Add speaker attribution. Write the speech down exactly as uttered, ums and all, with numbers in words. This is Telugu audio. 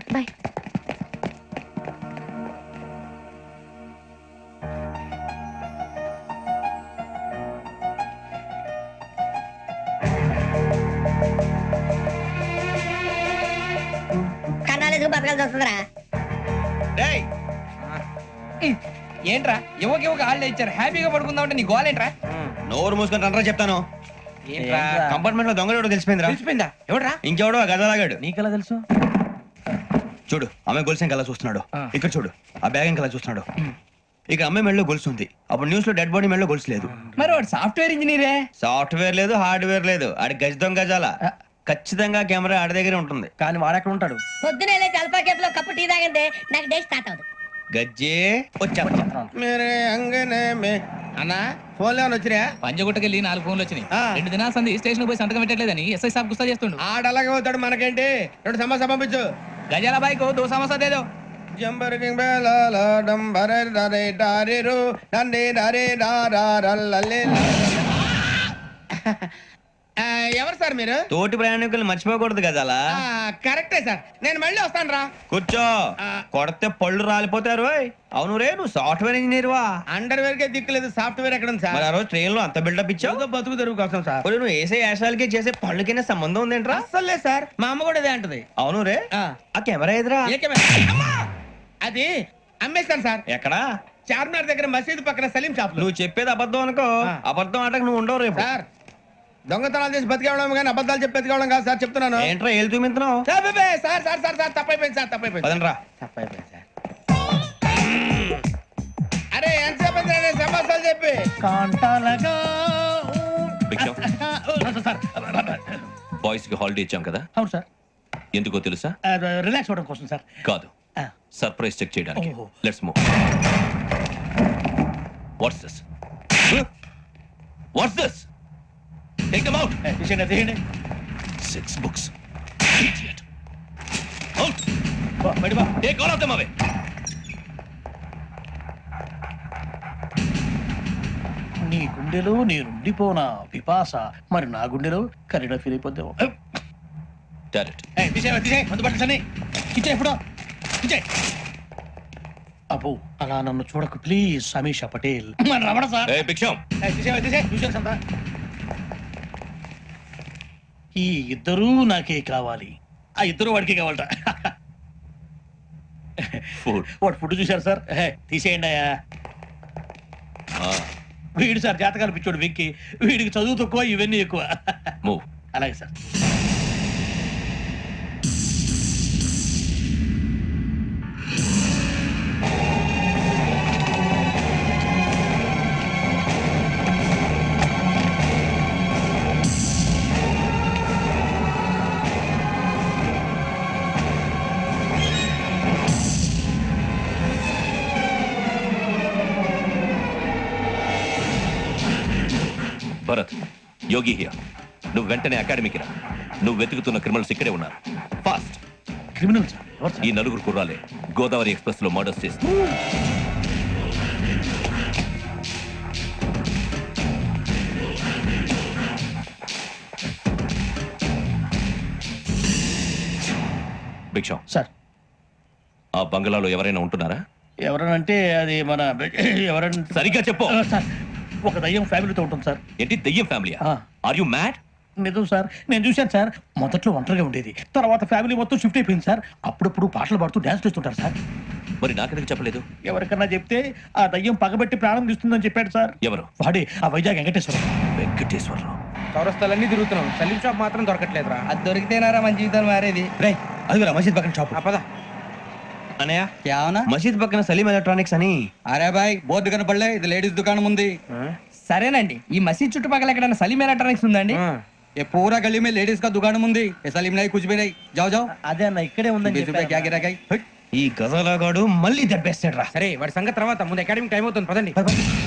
Speaker 1: బాయ్.
Speaker 2: కన్నాలేసుకు బతకాల్సి వస్తుందిరా.
Speaker 3: డేయ్ ఏంట్రా ఎవరికి ఒక హాలిడే ఇచ్చారు హ్యాపీగా పడుకుందాం అంటే నీ గోల్ ఏంట్రా?
Speaker 4: నోరు మూసుకొని రండ్రా చెప్తాను.
Speaker 3: ఏంట్రా
Speaker 4: కంపార్ట్మెంట్ లో దొంగలు ఎవడో తెలిసిపోయిందిరా.
Speaker 3: తెలిసిపోయిందా? ఎవడ్రా?
Speaker 4: ఇంకెవడో ఆ గదలాగాడు.
Speaker 3: నీకెలా తెలుసు?
Speaker 4: చూడు అమ్మాయి గొలుసు ఇంకలా చూస్తున్నాడు. ఇక్కడ చూడు ఆ బ్యాగ్ ఇంకలా చూస్తున్నాడు. ఇక అమ్మాయి మెడలో గొలుసు ఉంది. అప్పుడు న్యూస్ లో డెడ్ బాడీ మెడలో గొలుసు లేదు.
Speaker 3: మరి వాడు సాఫ్ట్వేర్ ఇంజనీరే.
Speaker 4: సాఫ్ట్వేర్ లేదు, హార్డ్వేర్ లేదు. ఆడి గజ దొంగ గజాల. ఖచ్చితంగా కెమెరా ఆడి దగ్గరే ఉంటుంది.
Speaker 3: కానీ వాడెక్కడ ఉంటాడు?
Speaker 2: పొద్దునే లేచి అల్ఫా కేఫ్ లో కప్పు టీ తాగిందే నాకు డే స్టార్ట్ అవుతుంది.
Speaker 4: గజ్జే వచ్చా
Speaker 5: మేరే అంగనే మే అన్నా ఫోన్ లేవని వచ్చినా
Speaker 6: పంజగుట్టకెళ్ళి నాలుగు ఫోన్లు వచ్చినాయి. రెండు దినాల సంది స్టేషన్ పోయి సంతకం పెట్టలేదని ఎస్ఐ సాబ్ గుస్తా చేస్తుండు.
Speaker 5: ఆడలాగే పోతాడు మనకేంటి. రెండు సమస్య పంపించు.
Speaker 6: గజాల బైక్ దో సమస్య దేదో
Speaker 5: జంబర్ కింగ్ బేలాల డంబర డరే డారిరు నందే డరే డారల్లలే. ఎవరు సార్ మీరు?
Speaker 4: తోటి ప్రయాణికులు మర్చిపోకూడదు గజాల.
Speaker 5: కరెక్టే సార్, నేను మళ్ళీ వస్తాను రా.
Speaker 4: కూర్చో. కొడితే పళ్ళు రాలిపోతారు. అవును రే, నువ్వు సాఫ్ట్వేర్ ఇంజనీర్ వా?
Speaker 5: అండర్ వేర్ కే దిక్కులేదు, సాఫ్ట్వేర్ ఎక్కడ ఉంది సార్?
Speaker 4: మరి ఆ రోజు ట్రైన్ లో అంత బిల్డప్ ఇచ్చావు.
Speaker 5: బతుకు తెరుగు కోసం సార్.
Speaker 4: నువ్వు వేసే యాశాలకి చేసే పళ్ళకైనా సంబంధం ఉందేంట్రా?
Speaker 5: అస్సలు లేదు సార్, మా అమ్మ కూడా ఇదే అంటది.
Speaker 4: అవును రే, ఆ కెమెరా ఎదురా
Speaker 5: ఏ కెమెరా? అమ్మా! అది అమ్మేస్తాను సార్.
Speaker 4: ఎక్కడా?
Speaker 5: చార్మినార్ దగ్గర మసీదు పక్కన సలీం షాప్.
Speaker 4: నువ్వు చెప్పేది అబద్ధం అనుకో. అబద్ధం ఆటకు నువ్వు ఉండవు రేపు.
Speaker 5: సార్ దొంగతనాలు చేసి బతికేవడం కానీ అబద్ధాలు చెప్పి బతికేవడం కాదు సార్, చెప్తున్నాను.
Speaker 4: ఏంట్రా ఏళ్ళు చూపించినావు?
Speaker 5: సార్ బే, సార్ సార్ సార్ సార్ తప్పైపోయింది సార్, తప్పైపోయింది.
Speaker 4: పదండ్రా.
Speaker 5: తప్పైపోయింది సార్. అరే ఎంతసేపు అయింది సమస్యలు చెప్పి.
Speaker 6: కాంటాలగా
Speaker 7: బాయ్స్ కి హాలిడే ఇచ్చాం కదా?
Speaker 6: అవును సార్.
Speaker 7: ఎందుకో తెలుసా?
Speaker 6: రిలాక్స్ అవ్వడం కోసం సార్.
Speaker 7: కాదు, సర్ప్రైజ్ చెక్ చేయడానికి. Let's move. What's this? What's this? Take them out.
Speaker 6: తీయండి.
Speaker 7: Six books. Idiot. Out. బయట బా. Take all of them away.
Speaker 6: నీ గుండెలో నేనుండిపోనా పిపాస, మరి నా గుండెలో కరీడా ఫీల్ అయిపోద్దాము.
Speaker 7: Direct.
Speaker 6: అబ్బో అలా నన్ను చూడకు ప్లీజ్. సమీషా పటేల్. మన రమణ సార్.
Speaker 7: Hey, Biksham.
Speaker 6: ఈ ఇద్దరూ నాకే కావాలి. ఆ ఇద్దరు వాడికే కావాలట.
Speaker 7: Food.
Speaker 6: వాడు ఫుడ్ చూశారు సార్. హే, తీసేయండి అయ్యా. వీడు సార్ జాతకాలు పిచ్చోడు వెక్కి. వీడికి చదువు తక్కువ, ఇవన్నీ ఎక్కువ.
Speaker 7: Move.
Speaker 6: అలాగే సార్.
Speaker 7: Bharat, Yogi here. నువ్వు వెంటనే అకాడమీకి రా. నువ్వు వెతుకుతున్న క్రిమినల్స్ ఇక్కడే ఉన్నారు. ఫాస్ట్.
Speaker 6: Criminal sir? ఎవరు సార్?
Speaker 7: ఈ నలుగురు కుర్రాలే గోదావరి ఎక్స్ప్రెస్ లో మర్డర్స్ చేసి. భిక్షం
Speaker 6: సార్,
Speaker 7: ఆ బంగ్లాలో ఎవరైనా ఉంటున్నారా?
Speaker 6: ఎవరనంటే అది మన ఎవరంటే
Speaker 7: సరిగ్గా చెప్పు.
Speaker 6: సార్, ఒక దయ్యం ఫ్యామిలీతో ఉంటుంది సార్.
Speaker 7: ఏంటి దయ్యం ఫ్యామిలీ? Are you mad?
Speaker 6: నిజం సార్, నేను చూశాను సార్. మొదట్లో ఒంటరిగా ఉండేది, తర్వాత ఫ్యామిలీ మొత్తం షిఫ్ట్ అయిపోయింది సార్. అప్పుడప్పుడు పాటలు పాడుతూ డాన్స్ చేస్తుంటారు సార్.
Speaker 7: మరి నాకెందుకు చెప్పలేదు?
Speaker 6: ఎవరికన్నా చెప్తే ఆ దయ్యం పగబెట్టి ప్రాణం తీస్తుందని చెప్పాడు సార్.
Speaker 7: ఎవరు?
Speaker 6: వాడే ఆ వైజాగ్ వెంకటేశ్వరం.
Speaker 7: వెంకటేశ్వరరావు.
Speaker 3: చౌరస్తాలన్నీ తిరుగుతున్నాం, సలీం షాప్ మాత్రం దొరకట్లేదురా. అది దొరికితేనారా మన జీవితాలు మారేది.
Speaker 4: రే అదిగురా మసీద్ పక్కన షాప్.
Speaker 3: పద.
Speaker 4: అనయ్య
Speaker 8: क्या होना?
Speaker 4: మసీద్ పక్కన సలీం ఎలక్ట్రానిక్స్ అని.
Speaker 8: अरे भाई बहुत दुकान पड़ ఇది లేడీస్ దుకాణం ఉంది.
Speaker 3: సరేనండి, ఈ మసీద్ చుట్టుపక్కల ఎక్కడైనా సలీం ఎలక్ట్రానిక్స్ ఉందండి?
Speaker 8: ये पूरा गली में लेडीज का दुकान मुंदी ये सलीम नहीं कुछ भी नहीं. जाओ जाओ.
Speaker 6: అదే అన్న ఇక్కడే ఉందని
Speaker 8: बीस रुपए क्या गिरा गई.
Speaker 4: ఈ గజాలగాడు మళ్ళీ దెబ్బేస్తాడు రా.
Speaker 3: సరే వాడి సంగతి తర్వాత, ముందు అకాడమిక్ టైం అవుతుంది, పదండి.